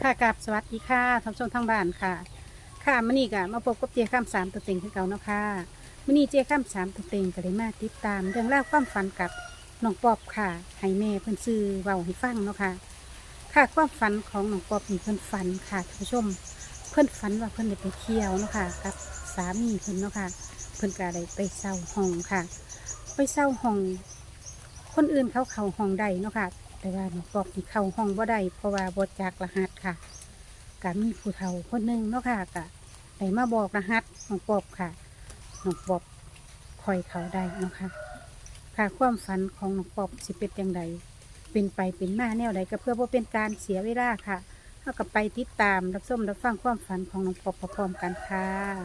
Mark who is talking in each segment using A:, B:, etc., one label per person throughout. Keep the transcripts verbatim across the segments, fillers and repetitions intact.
A: ค่ะกับสวัสดีค่ะท่านผู้ชมทางบ้านค่ะค่ะมื้อนี้ก็มาพบกับเจ้าข้ามสามตัวเต็งคือเก่าเนาะค่ะมื้อนี้เจ้าข้ามสามตัวเต็งก็เลยมาติดตามเรื่องราวความฝันกับน้องปอบค่ะให้แม่เพิ่นซื้อเว้าให้ฟังเนาะค่ะค่ะความฝันของน้องปอบนี่เพิ่นฝันค่ะท่านผู้ชมเพิ่นฝันว่าเพิ่นได้ไปเที่ยวเนาะค่ะกับสามีเพิ่นเนาะค่ะเพิ่นก็ได้ไปเช่าห้องค่ะ ไปเช่าห้องคนอื่นเขาเข้าห้องได้เนาะค่ะแต่ว่าน้องปอบนี่เข้าห้องบ่ได้เพราะว่าบ่จักรหัสค่ะ ก็มีผู้เฒ่าคนหนึ่งเนาะค่ะก็ได้มาบอกรหัสน้องปอบค่ะน้องปอบคอยเขาได้เนาะค่ะค่ะความฝันของน้องปอบสิเป็นอย่างไรเป็นไปเป็นมาแนวใดก็เพื่อว่าเป็นการเสียเวลาค่ะเท่ากับไปติดตามรับชมรับฟังความฝันของน้องปอบพร้อมๆกันค่ะ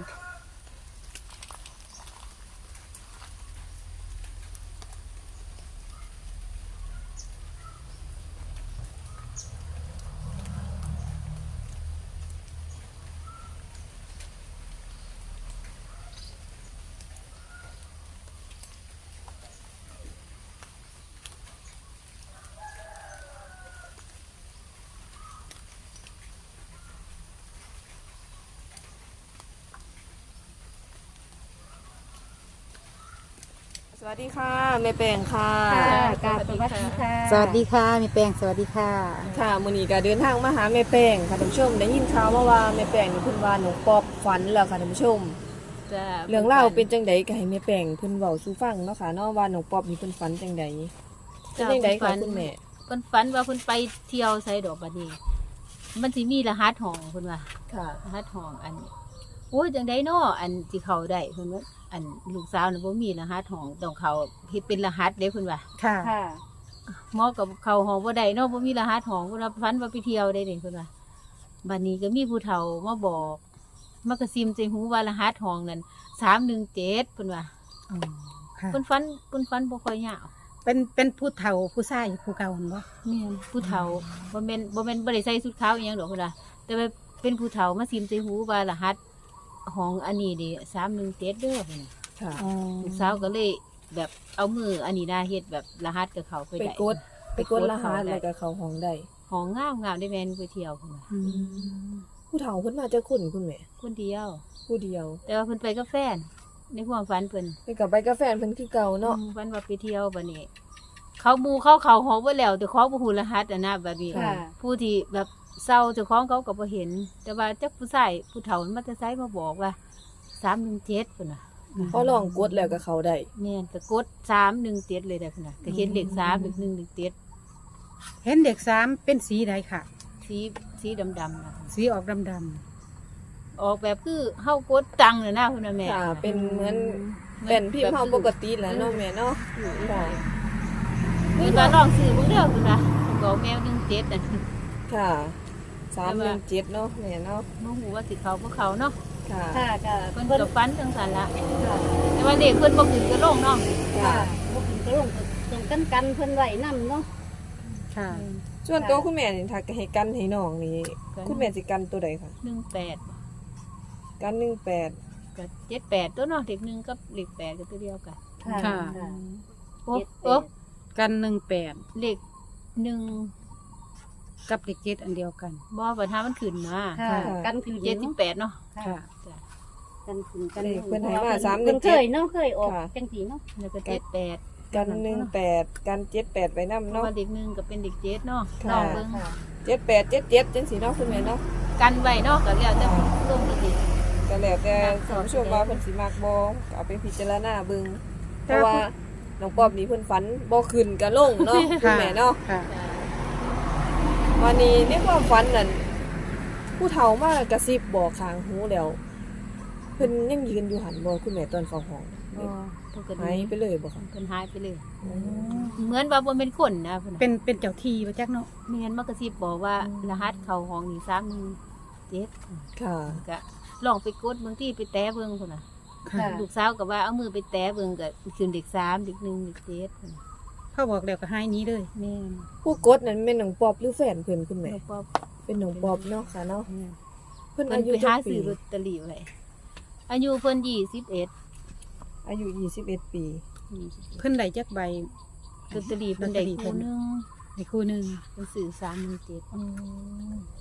B: สวัสดีค่ะแม่แปงค่ะ
A: กาสวัสดีค่ะ
C: สวัสดีค่ะมีแปลงสวัสดีค่ะ
B: ค่ะมื้อนี้ก็เดินทางมาหาแม่แปงค่ะท่านผู้ชมได้ยินข่าวมาว่าแม่แปงนี่เพิ่นว่าหนูปอบฝันแล้วค่ะท่านผู้ชม
C: จ้า
B: เรื่องราวเป็นจังไดก็ให้แม่แปงเพิ่นเว้าสู่ฟังเนาะค่ะเนาะว่าหนูปอบนี่เพิ่นฝันจังไดเป็นจังไดคะคุณแม่
C: เพิ่นฝันว่าเพิ่นไปเที่ยวไสดอกบัดนี้มันสิมีรหัสห้องเพิ่นว่า
B: ค่ะ
C: รหัสห้องอันโอ้ยจังได๋น้ออันสิเข้าได้เพิ่นว่าอันลูกสาวน่ะบ่มีรหัสห้องต้องเข้าเฮ็ดเป็นรหัสเด้เพิ่นว่า
A: ค่ะ
C: หมอกับเข้าห้องบ่ได้เนาะบ่มีรหัสห้องเพิ่นว่าฝันว่าไปเที่ยวได้เด้เพิ่นว่าบัดนี้ก็มีผู้เฒ่ามาบอกมากระซิมใส่หูว่ารหัสห้องนั้นสามหนึ่งเจ็ดเพิ่นว่า
A: อ๋อค่ะ
C: เพิ่นฝันเพิ่นฝันบ่ค่อยยาว
A: เป็นเป็นผู้เฒ่าผู้ชายผู้เก่าหั่นบ่
C: แม่นผู้เฒ่าบ่แม่นบ่แม่นบ่ได้ใส่ชุดขาวอีหยังดอกพุ่นล่ะแต่ว่าเป็นผู้เฒ่ามาซิมใส่หูว่ารหัสของอันนี้ดิสามหนึ่งเจ็ดเด้อพุ่นน่ะ
B: ค่ะ
A: อ๋อ
C: ลูกสาวก็เลยแบบเอามืออันนี้น่าเฮ็ดแบบรหัสกับเขาไป
B: ไป
C: ได้
B: กดไปกดรหัสแล้วก็เข้าห้องได้
C: ของงามงามได้แม่นไปเที่ยวพุ่นน่ะ
A: อืม
B: ผู้เฒ่าเพิ่นมาจากคนคุณแม่
C: คนเดียว
B: ผู้เดียว
C: แต่ว่าเพิ่นไปกับแฟนในความฝันเพิ่น
B: ไปกับไปกับแฟนเพิ่นคือเก่าเนาะ
C: อืมฝันว่าไปเที่ยวบัดนี้ เขาหมู่เขาเขาห้องบ่แล้วแต่ของบ่ฮู้รหัสอ่ะนะบัดนี้
B: ค่ะ
C: ผู้ที่แบบเศร้าเจ้าของเขาก็บ่เห็น แต่ว่าจักผู้ชายผู้เฒ่ามันมาแต่ไสมาบอกว่าสามหนึ่งเจ็ดพุ่นน่ะ
B: พอลองกดแล้วก็เข้าได้
C: แม่นก็กดสามหนึ่งเจ็ดเลยได้พุ่นน่ะก็เห็นเลขสามเลขหนึ่งเลขเจ็ด
A: เห็นเด็กสามเป็นสีใดค่ะ
C: สีสีดำๆน่ะ
A: สีออกดำด
C: ออกแบบคือเฮากดตังค์น่ะนะพุ่นน่ะแม่
B: ค่ะเป็นเหมือนเป็นพี่เฮาปกติแหล้วเนาะแม่เนาะค่ะ
C: เพิ่นว่าลองซื้อเบิ่งเด้อพุ่นน่ะก็แมวหนึ่งเจ็ดน่ะ
B: ค่ะสามหนึ่งเจ็ดเนาะแม่เนาะ
C: บ่ฮู้ว่าสิเข้าบ่เข้าเนาะ
B: ค่ะ
D: ค่ะค่ะ
C: เพิ่นก็ฝันจังซั่นล่ะแต่ว่าเลขเพิ่นบ่ขึ้นก็ลงเนาะ
B: ค่ะ
D: บ่ขึ้นก็ลงตรงกันกันเพิ่นไว้นำเนาะ
A: ำค่ะ
B: ส่วนตัวคุณแม่นี่ถ้าให้กันให้น้องนี่คุณแม่สิกันตัวใดคะ
C: หนึ่งแปด
B: กันหนึ่งแปด
C: ก็เจ็ดแปดตัวเนาะเลขหนึ่งกับเลขแปดก็ตัวเดียวกัน
A: ค่ะ
C: โอ้
D: เจ็ดแปด
C: โอ้
A: กันหนึ่งแปด
C: เลขหนึ่ง
A: กับเด็กเจ็ดอันเดียวกัน
C: บ่ปัญหามันขึ้นมา
D: ค่ะกันขึ้น
C: เจ็ดสิบแปดเนาะ
A: ค่ะ
D: กันขึ้นกัน
B: เลขเพิ่นให้มาสามห
D: เพิ่
B: นึ่
D: น
B: ง
D: เค
B: เจ็ด
D: ยเนาะเคยออก
B: ค่ะ
D: จังสีเนาะ
C: แล้วก็เจ็ดแปด
B: กันหนึ่งแปดกันเจ็ดแปดไว้นำ
C: เพราะ
B: เนาะ
C: ว่าเลขหนึ่งก็เป็นเลขเจ็ดเนาะ
B: ค่ะ
C: ลองเบิ่ง
B: เจ็ดแปดเจ็ดเจ็ดจังสีเนาะคุณแม่เนาะ
C: กันไว้เนาะก็แล้วแต่ลงอีก
B: ก็แล้วแต่ท่านผู้ชมว่าเพิ่นสิมักบ่ก็เอาไปพิจารณาเบิ่งเพราะว่าน้องปอบนี่เพิ่นฝันบ่ขึ้นก็ลงเนาะคุณแม่เนาะ
A: ค่ะ
B: วันนี้ในความฝันนั่นผู้เฒ่ามากระซิบบอกข้างหูแล้วเพิ่นยังยืนอยู่หันบ่คุณแม่ตอนเข้าห้อง
C: บ่เพิ่นก็
B: หายไปเลยบ่คะ
C: เพิ่นหายไปเลย เหมือนว่าบ่เป็นคนนะเพิ่นน่ะ
A: เป็นเป็นเจ้าที่ประจักเนาะ
C: แม่นมากระซิบบอกว่ารหัสเข้าห้องนี่สามหนึ่งเจ็ด
B: ค่ะ
C: ก็ลองไปกดบางทีไปแตะเบิ่งพุ่นน่ะ
A: ค่ะ
C: ลูกสาวก็ว่าเอามือไปแตะเบิ่งก็ขึ้นเด็กสามเด็กหนึ่งเด็กเจ็ดพุ่นน่ะ
A: เขาบอกแล้วก็ให้นี้เลย
C: แม่น
B: ผู้กดนั้นแม่นน้องปอบหรือแฟนเพิ่นคุณแม่
C: แล้วก็
B: เป็นน้องปอบเนาะค่ะเนาะ
C: แม่น
B: เพิ่น
C: เพิ่
B: อาน ยุ
C: ไป
B: จั
C: หาก
B: ปี
C: ซื้อลอตเตอรี่ไว้อายุเพิ่นยี่สิบเอ็ด
B: อายุยี่สิบเอ็ดปี
A: เพิ่นได้จักใบ
C: ลอตเตอรี่เพิ่นได้
A: ลอตเตอรี่เพิ่
C: คู่
A: น
C: หนึง
A: ในคู่หนึ่ง
C: เพิ่นซื้อสามหนึ่งเจ็ด
B: อืม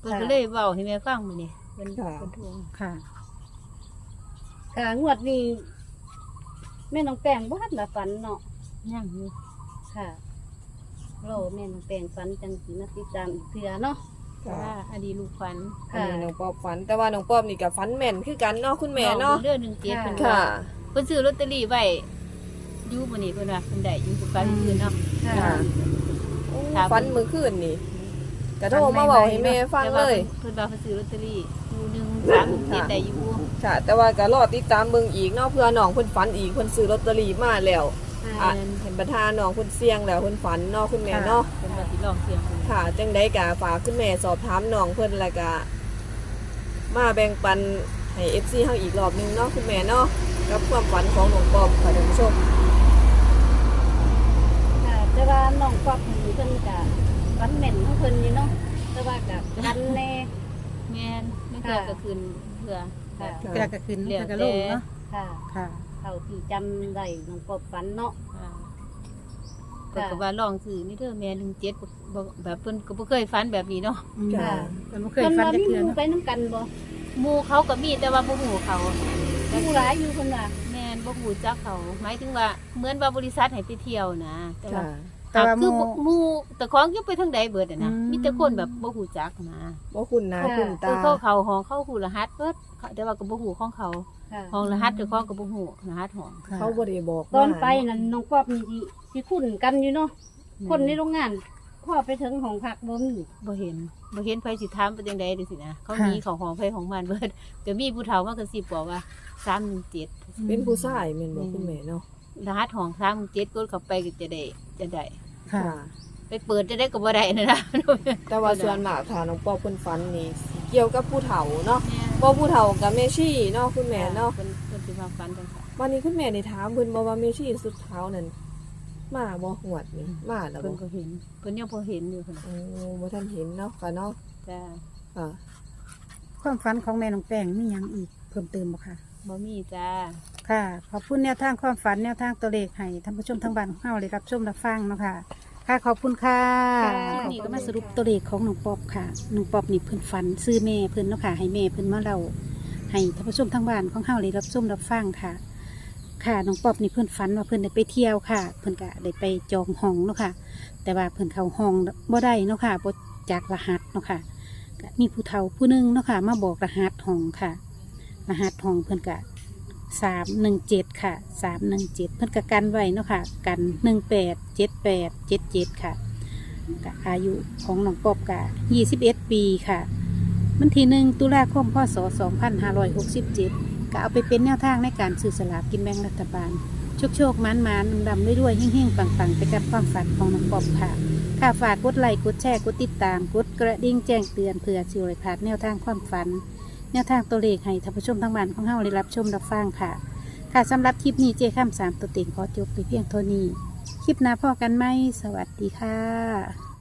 C: พิ่นก็เลยเว้าให้แม่ฟังมื้อนี้เพิ่น
B: ค่ะ
C: เพิ่นโทร
A: ค่ะ
D: ค่ะงวดนี้แม่น้องแป้งบ่ทันละฝันเนาะ
C: ยังอยู่
D: ค่ะโลแม่น้องแป้งฝันจังสิมาติดตามอีกเทื่อเนาะ
C: ค่ะอดีตลูกฝัน
B: อัน
D: ค่ะ
B: นี้น้องปอบฝัน แต่ว่าน้องปอบนี่ก็ฝันแม่นคือกันเนาะคุณแม่เนาะ
C: เรื่องหนึ่งเจ็ดเพิ่น
B: ค่ะ
C: ว่าเพิ่นซื้อลอตเตอรี่ไว้อยู่มื้อนี้เพิ่นว่าเพิ่นได้อยู่กับการคืนเนาะ
D: ค่ะ
B: ค่ะ
C: ค่ะ
B: ฝันเมื่อคืนนี่ก็โทรมาบอกให้แม่ฟังเลย
C: เพิ่นว่าเพิ่นซื้อลอตเตอรี่คู่หนึงสามเจ็ดได้อยู่
B: ค่ะ แต่ว่าก็รอติดตามเบิ่งอีกเนาะเพื่อน้องเพิ่นฝันอีกเพิ่นซื้อลอตเตอรี่มาแล้วอ่ะเห็นประธานน้องเพิ่นเสี่ยงแล้วเพิ่นฝันเนาะคุณแม่เนาะ
C: เพิ่นว่าสิลองเสี่ยงเพิ่น
B: ค่ะ จังได๋ก็ฝากคุณแม่สอบถามน้องเพิ่นแล้วก็มาแบ่งปันให้ เอฟ ซี เฮาอีกรอบหนึงเนาะคุณแม่เนาะกับความฝันของน้องปอบค่ะท่านผู้ชม
D: ค่ะแต่ว่าน้องควักนี่เพิ่นก็ฝันแม่นของเพิ่นนี่เนาะแต่ว่าก็กันแน่
C: แม่นไม่เพื่อก็คืนเพื่อ
D: ค่ะ
B: ค่ะ
A: เวลากระคืน
C: เหลือ
A: เพิ่นก็ลงเนาะ
D: ค่ะ
A: ค่ะ
D: เท่าที่จำได้น้องปอบฝันเนาะ
C: อ่าเพิ่นก็ว่าลองซื้อนี่เด้อแม่หนึ่งเจ็ดบ่แบบเพิ่นก็บ่เคยฝันแบบนี้เนาะ
A: อืม
B: ค่ะ
A: เพิ่นบ่เคย
D: เพิ่น
A: ฟัน
D: ว่า
A: จัก
D: มี
A: เทื่อ
D: หมู่
A: เนาะ
D: ไปนํกันบ่
C: หมู่เขาก็มีแต่ว่าบ่ฮู้เขา
D: หมู่หลายอยู่เพิ่นว่า
C: แม่นบ่ฮู้จักเขาหมายถึงว่าเหมือนว่าบริษัทให้ไปเที่ยวนะแต่ว่า
B: ค่ะ
A: แต่ว่าห
C: คือ
A: มู่
C: หมู่แต่ของอยู่ไปทางใดเบิดอะนะ
A: อืม
C: มีแต่คนแบบบ่ฮู้จักนะ
B: บ่คุณหน้าคุณ
C: คื
B: ตา
C: อเขาเขาห้องเขาฮู้รหัสเบิดแต่ว่าก็บ่ฮู้ของเขา
D: ค่ะ
C: ห้องรหัสเจ้าของก็บ่ฮู้รหัสห้อง
A: ค่ะ
B: เขาบ่ได้บอก
D: ตอน
B: มา
D: ไปนั่นน้องปอบนี่สิสิคุ้นกันอยู่เนาะคนในโรงงานพอไปถึงห้องพักบ่มี
C: บ่เห็นบ่เห็นไผสิถามเป็นจังได๋จังซี่นะเขา
A: ค่ะ
C: มีของห้องไผของมันเบิดก็มีผู้เฒ่ามากระซิบบอกว่าสามหนึ่งเจ็ด
B: เป็นผู้ชายแม่นบ่คุณแม่เนาะ
C: รหัสห้องสามหนึ่งเจ็ดกดเข้าไปก็จะได้จะได้
A: ค่ะ
C: ไปเปิดจะได้ก็บ่ได้นะนะ
B: แต่ว่าส่วนมากถ้าน้องปอบเพิ่นฝันนี่สิเกี่ยวกับผู้เฒ่าเนาะบ่ผู้เฒ่ากับแม่ชีเนาะคุณแม่เนาะ
C: เพิ่นเพิ่นสิมาฟันจังซี่
B: วันนี้คุณแม่ได้ถามเพิ่นบ่ว่าแม่ชีสุดเท้านั่นมาบ่หวดนี่มาแล้ว
C: เพิ่
B: บ่
C: นก็เห็นเพิ่นยังบ่เห็นอยู่เพิ่น
B: โอ้บ่ทันเห็นเนาะค่ะเนาะ
C: จ้า
B: ค่ะ
A: ความฝันของแม่น้องแป้งมีหยังอีกเพิ่มเติมบ่คะ
C: บ่มีจ้า
A: ค่ะ ขอบคุณแนวทางความฝันแนวทางตัวเลขให้ท่านผู้ชมทางบ้านของเฮาได้รับชมรับฟังเนาะค่ะ ค่ะขอบคุณค่ะ
D: ค่ะ
A: นี่ก็มาสรุปตัวเลขของน้องป๊อบค่ะน้องป๊อบนี่เพิ่นฝันซื้อแม่เพิ่นเนาะค่ะให้แม่เพิ่นมาเล่าให้ท่านผู้ชมทางบ้านของเฮาได้รับชมรับฟังค่ะ ค่ะน้องป๊อบนี่เพิ่นฝันว่าเพิ่นได้ไปเที่ยวค่ะ เพิ่นก็ได้ไปจองห้องเนาะค่ะ แต่ว่าเพิ่นเข้าห้องบ่ได้เนาะค่ะบ่จากรหัสเนาะค่ะก็มีผู้เฒ่าผู้หนึงเนาะค่ะ มาบอกรหัสห้องค่ะ รหัสห้องเพิ่นก็สามหนึ่งเจ็ดค่ะสามหนึ่งเจ็ดเพิ่นก็กันไว้เนาะค่ะ กันหนึ่งแปดเจ็ดแปดเจ็ดเจ็ดค่ะก็อายุของน้องป๊อบก็ยี่สิบเอ็ดปีค่ะวันที่หนึ่งตุลาคมพศสองพันห้าร้อยหกสิบเจ็ดก็เอาไปเป็นแนวทางในการซื้อสลากกินแบ่งรัฐบาล โชคโชคมันมันดำๆด้วยๆเฮ่งๆปังๆ ไปกับความฝันของน้องป๊อบค่ะ ค่ะฝากกดไลค์กดแชร์กดติดตามกดกระดิ่งแจ้งเตือนเพื่อสิวไรพลาดแนวทางความฝัน แนวทางตัวเลขให้ท่านผู้ชมทางบ้านของเฮาได้รับชมรับฟังค่ะ ค่ะสำหรับคลิปนี้เจ้ข้ามสามตัวเต็งขอจบไปเพียงเท่านี้ คลิปหน้าพอกันไหมสวัสดีค่ะ